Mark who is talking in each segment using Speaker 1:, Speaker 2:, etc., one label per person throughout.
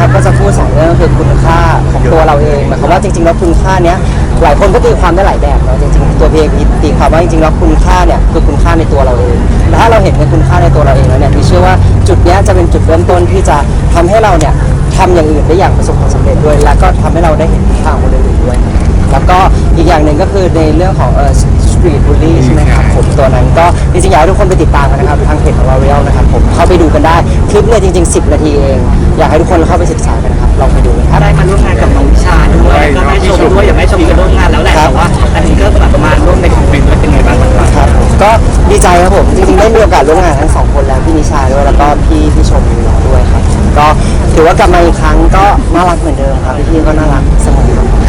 Speaker 1: ครับก็จะพูด2เรื่องคือคุณค่าของตัวเราเองหมายความว่าจริงๆแล้วคุณค่าเนี้ยหลายคนก็ตีความได้หลายแบบเนาะจริงๆตัวพี่เองตีความว่าจริงๆแล้วคุณค่าเนี่ยคือคุณค่าในตัวเราเองแต่ถ้าเราเห็นในคุณค่าในตัวเราเองแล้วเนี่ยพี่เชื่อว่าจุดเนี้ยจะเป็นจุดเริ่มต้นที่จะทำให้เราเนี่ยทำอย่างอื่นได้อย่างประสบความสำเร็จด้วยและก็ทำให้เราได้เห็นคุณค่าของคนอื่นด้วยแล้วก็อีกอย่างหนึ่งก็คือในเรื่องของStreet Bully ใช่ไหมครับผมตัวนั้นก็จริงๆอยากให้ทุกคนไปติดตามกันนะครับทางเพจของ L'Oreal นะครับผมเข้าไปดูกันได้คลิปเนี่ยจริงๆ10 นาทีเองอยากให้ทุกคนเข้าไปศึกษากันนะครับลองไปดูกันครับ
Speaker 2: ได้มาร่วมงานกับน้องวิชาด้วยก็ได้ชมด้วยอย่างไม่ชมกันร่วมงานแล้วแหละแต่ว่าอันนี้ก็แบบประมาณร่วมในของเป็นเป็นไงบ้าง
Speaker 1: ครับก็ดีใจครับผมจริงๆได้มีโอกาสร่วมงานทั้ง2คนแล้วพี่นิชาด้วยแล้วก็พี่ชมด้วยครับก็ถือว่ากลับมาอีกครั้งก็น่ารักเหมือนเดิมครับพี่ก็น่ารักเสมอ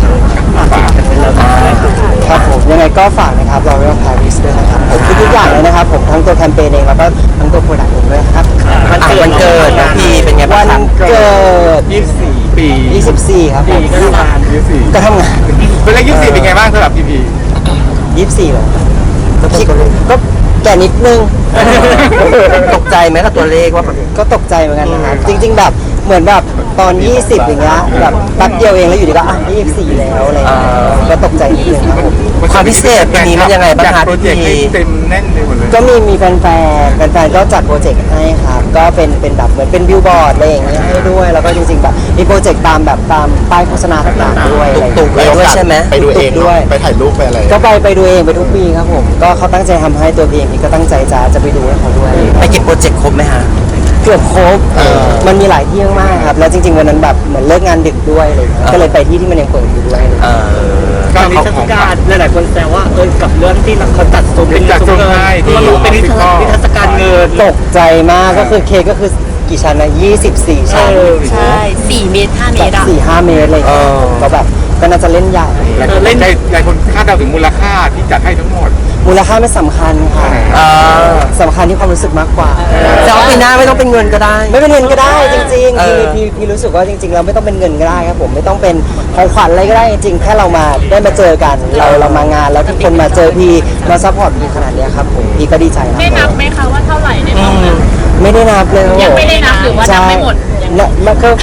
Speaker 1: ครับผมยังไงก็ฝากนะครับ L'Oreal Paris ด้วยนะครับผมทุกอย่างเลยนะครับผมทั้งตัวแคมเปญเองแล้วก็ทั้งตัวโปรดักต์เองด้วยครับ
Speaker 2: วันเกิดน้องพีเป็นไงบ้าง
Speaker 1: วันเกิด
Speaker 3: 24 ปี
Speaker 1: 24ครับผมก็ทำงาน
Speaker 3: เป็นเลข24เป็นไงบ้างสำหรับพี
Speaker 1: 24เหรอก็แก่นิดนึง
Speaker 2: ตกใจไหมกับตัวเลขว่า
Speaker 1: ก็ตกใจเหมือนกันนะครับจริงๆแบบเหมือนแบบตอน20อย่างเงี้ยแบบแป๊บเดียวเองแล้วอยู่ดีก็24แล้วอะไรก็ตกใจนิดนึงครับผม
Speaker 2: ความพิเศษปีนี้มันยังไงบ้างคะพี่
Speaker 3: เต็มแน่นเลยหมดเลย
Speaker 1: ก็มีแฟนก็จัดโปรเจกต์ให้ครับก็เป็นแบบเหมือนเป็นบิลบอร์ดอะไรอย่างเงี้ยให้ด้วยแล้วก็จริงๆแบบมีโปรเจกต์ตามป้ายโฆษณาต่างๆด้วย
Speaker 2: ตุกด้วยใช่ไหม
Speaker 4: ไปดูเองด้วยไปถ่ายรูปไปอะไร
Speaker 1: ก็ไปดูเองไปทุกปีครับผมก็เขาตั้งใจทำให้ตัวพี่เองก็ตั้งใจจะไปดูให้เขาด้วย
Speaker 2: ไปเก็บโปรเจกต์ครบไหมฮะ
Speaker 1: เกือบครบมันมีหลายที่มากครับแล้วจริงๆวันนั้นแบบเหมือนเลิกงานดึกด้วยเลยก็เลยไปที่มันยังเปิดอยู่ด้วย
Speaker 2: ก็มีเทศกาลหลายๆคนแซวว่ากับเรื่องที่เขาตัดซุ้มเป็นซุ้มเงินเป็นนิทรรศการเงิน
Speaker 1: ตกใจมากก็คือเค้กก็คือกี่ชั้นนะ24ชั้น
Speaker 5: ใช่4 เมตร 5 เมตรอะ
Speaker 1: 4-5 เมตรเลยก็แบบก็น่าจะเล่นใหญ่
Speaker 3: เล่นหลายคนคาดเดาถึงมูลค่าที่จัดให้ทั้งหมด
Speaker 1: มูลค่าไม่สำคัญค่ะสำคัญที่ความรู้สึกมากกว่า
Speaker 2: แต่ว่าปีหน้าไม่ต้องเป็นเงินก็ได้
Speaker 1: ไม่เป็นเงินก็ได้จริงๆพี่รู้สึกว่าจริงๆเราไม่ต้องเป็นเงินก็ได้ครับผมไม่ต้องเป็นของขวัญอะไรก็ได้จริงๆแค่เรามาได้มาเจอกันเรามางานแล้วทุกคนมาเจอพี่มาซัพพอร์ตพี่ขนาดนี้ครับผมพี่ก็ดีใจนะ
Speaker 5: ได้นับไหมคะว่าเท่าไหร่ในห้องนั้น
Speaker 1: ไม่ได้นับเลย
Speaker 5: ยังไม่ได้นับหรือว่านับไม่หมด
Speaker 1: แล้วก็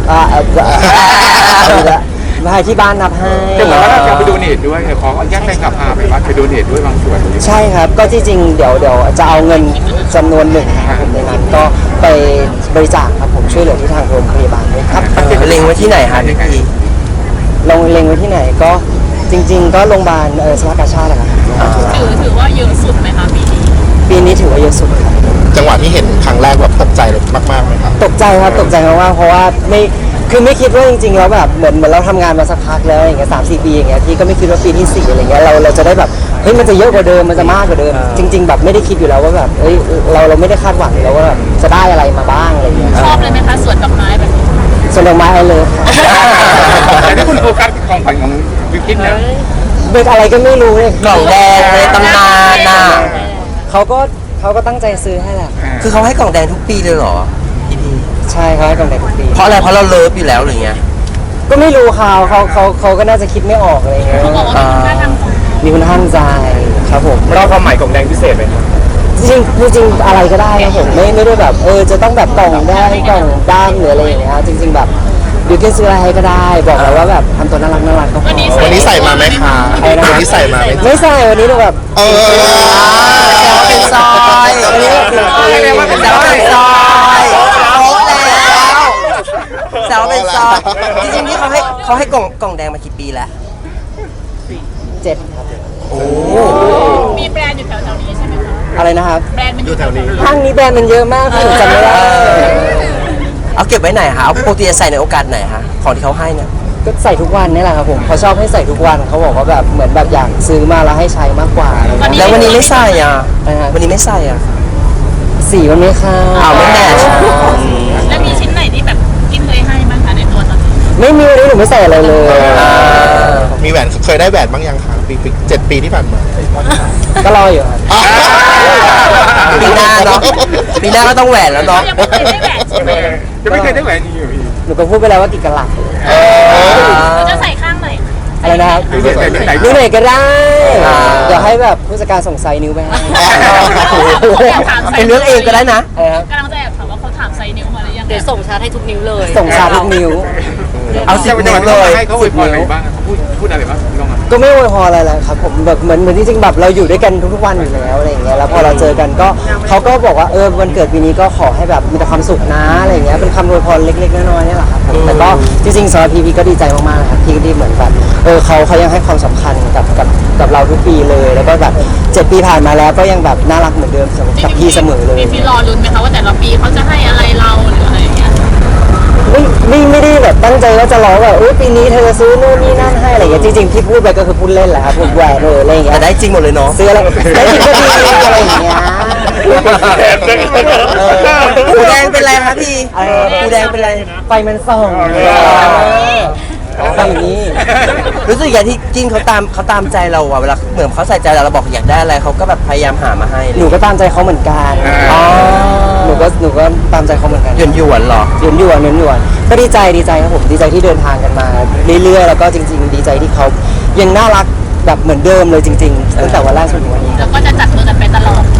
Speaker 1: มาให้ที่บ้านนับให้
Speaker 3: แต่เหมือนว่าเราไปดูเนตด้วยขออนุญาตแฟนคลับพาไปวัดไปดูเนตด้วยบางส่วน
Speaker 1: ใช่ครับก็ที่จริงเดี๋ยวจะเอาเงินจำนวนหนึ่งนะครับผมในนั้นก็ไปบริจาคครับผมช่วยเหลือที่ทางโรงพยาบาลด้วยครับ
Speaker 2: เล็งไว้ที่ไหนฮะพี่
Speaker 1: เล็งไว้ที่ไหนก็จริงๆก็โรงพยาบาลสภากาชาติแหละครับ
Speaker 5: ถือว่าเยอะสุดไหมคะปี
Speaker 1: นี้ถือว่าเยอะสุดครับ
Speaker 4: จังหวะที่เห็นครั้งแรกแบบตกใจมากๆไหมครับ
Speaker 1: ตกใจครับตกใจมากๆเพราะว่าไม่คิดว่าจริงๆแล้วแบบเหมือนเราทำงานมาสักพักแล้วอย่างเงี้ย3-4 ปีอย่างเงี้ยพี่ก็ไม่คิดว่าปีที่4อะไรเงี้ยเราจะได้แบบเฮ้ยมันจะเยอะกว่าเดิมมันจะมากกว่าเดิมจริงๆแบบไม่ได้คิดอยู่แล้วว่าแบบเฮ้ยเราไม่ได้คาดหวังแล้วว่าแบบจะได้อะไรมาบ้างอะไรเงี้ย
Speaker 5: ชอบเลยไหมคะสวนดอกไม้แบบนี้
Speaker 1: สวนดอกไม้เลย
Speaker 3: แต่ที่คุณโฟกัสของขวัญของวิวกิ้นเนี่ย
Speaker 1: เป็นอะไรก็ไม่รู้เลย
Speaker 2: กล่องแดงในตำนานน่ะ
Speaker 1: เขาก็ตั้งใจซื้อให้แหละ
Speaker 2: คือเขาให้กล่องแดงทุกปีเลยเหรอ
Speaker 1: ใช่เขาให้กล่องแดงทุกปี
Speaker 2: เพราะอะไรเพราะเราเลิฟอยู่แล้วหรือไง
Speaker 1: ก็ไม่รู้เขาก็น่าจะคิดไม่ออกอะไรเงี้ยมีคุณท่านใจครับผม
Speaker 3: เราความหมายกล่องแดงพิเศษไหมครับ
Speaker 1: จริงอะไรก็ได้ครับผมไม่ได้แบบจะต้องแบบกล่องแดงกล่องด้านหรืออะไรอย่างเงี้ยจริงๆแบบบิวกิ้นซื้ออะไรให้ก็ได้บอกเลยว่าแบบทำตัวน่ารักก็พอ
Speaker 4: วันนี้ใส่มาไหมคะวันนี้ใส่มาไหม
Speaker 1: ไม่ใส่วันนี้เราแบบ
Speaker 2: เป็นซอยแซวเป็นซอยจริงๆนี่เขาให้กล่องแดงมากี่ปีแล้ว
Speaker 1: 7ครับ
Speaker 2: โอ้
Speaker 5: มีแบรนด์อยู่แถวๆนี้ใช่ไหมคะ
Speaker 1: อะไรนะครับ
Speaker 5: แบรนด์มันอยู่แถวนี้
Speaker 1: ห้างนี้แบรนด์มันเยอะมากผมจำไม่ได้
Speaker 2: เอาเก็บไว้ไหนฮะเอาปกติจะใส่ในโอกาสไหนฮะของที่เขาให้เนี่ย
Speaker 1: ก็ใส่ทุกวันนี่แหละครับผมเขาชอบให้ใส่ทุกวันเขาบอกว่าแบบเหมือนแบบอยากซื้อมาแล้วให้ใช้มากกว่า
Speaker 2: แล้ววันนี้ไม่ใส่อ่ะวันนี้ไม่ใส่อ่ะ
Speaker 1: สีมันไม่เข้า
Speaker 2: ไม่แมทช์
Speaker 5: แล้วมีชิ้นไหนที่แบบกินเคยให้บ้างคะในตัวตอนนี้
Speaker 1: ไม่มีวันนี้หนูไม่ใส่อะไรเลย
Speaker 4: มีแหวนเคยได้แหวนบ้างยังคะ7 ปีที่ผ่านมา
Speaker 1: ก็รออยู่ครับ
Speaker 2: ปีหน้าเนาะปีหน้าก็ต้องแหวนแล้วเนาะ
Speaker 5: ยังไม่เคยได้แหวนใช่ไหม
Speaker 3: จะไม่เคยได้แหวนจริงเหรอพี่
Speaker 1: หนูก็พูดไปแล้วว่ากี่กะลัด
Speaker 5: เราจะใส่ข้างไหน
Speaker 1: อะไรนะครับนิ้วไหนก็ได้เดี๋ยวให้แบบผู้จัดการส่งไซนิ้วไปให้
Speaker 2: เป็นเรื่องเองก็ได้นะ
Speaker 5: กำลังจะแอบถามว่าเขาถามไซนิ้วมาหรือยังเดี๋ยวส่งชาร์จให้ทุกนิ้วเลย
Speaker 1: ส่งชาทุกนิ้ว
Speaker 3: เอาสิบนิ้วเลยให้เขาอวยพรอะไรบ้างเขาพูดอะไรบ้างพี่ก้อง
Speaker 1: ก็ไม่อวยพรอะไรเลยครับผมแบบเหมือนจริงๆแบบเราอยู่ด้วยกันทุกๆวันอยู่แล้วอะไรอย่างเงี้ยแล้วพอเราเจอกันก็เขาก็บอกว่าวันเกิดปีนี้ก็ขอให้แบบมีแต่ความสุขนะอะไรอย่างเงี้ยเป็นคำอวยพรเล็กๆน้อยๆนี่แหละครับผมแต่ก็จริงๆสำหรับพีก็ดีใจมากๆนะครับที่เหมือนแบบเขายังให้ความสำคัญกับเราทุกปีเลยแล้วก็แบบ7 ปีผ่านมาแล้วก็ยังแบบน่ารักเหมือนเดิมกับพี่เสมอเลย
Speaker 5: พี่รอลุ้นไหมคะว่าแต่ละปีเขาจะให้อะไรเราหรืออะไรอย่างเงี้ย
Speaker 1: ไม่ได้แบบตั้งใจว่าจะร้องแบบปีนี้เธอจะซื้อนู่นนี่นั่นให้อะไรอย่างเงี้ยจริงๆที่พูดไปก็คือพูดเล่นแหละครับพูดแหวกเลยอะไรอย่างเงี้ยแต่ได้จริงหมดเลยเนาะซื้ออะไรได้จริงก็ดีอะไรอย่างเงี้ยหูแดงเป็นไรครับพี่หูแดงเป็นไรไฟมันส่องแบบนี้
Speaker 6: รู้สึกอย่างที่จิ้นเขาตามใจเราอะเวลาเหมือนเขาใส่ใจเราบอกอยากได้อะไรเขาก็แบบพยายามหามาให้
Speaker 1: หนูก็ตามใจเขาเหมือนกันหนูก็ตามใจเขาเหมือนกัน
Speaker 6: หยวนๆหรอ
Speaker 1: หยวนก็ดีใจครับผมดีใจที่เดินทางกันมาเรื่อยๆแล้วก็จริง ๆ ดีใจที่เขายังน่ารักแบบเหมือนเดิมเลยจริงๆตั้งแต่วันแรกจนถึงวันนี้
Speaker 5: แล้วก็จะจับมือกันไปตลอด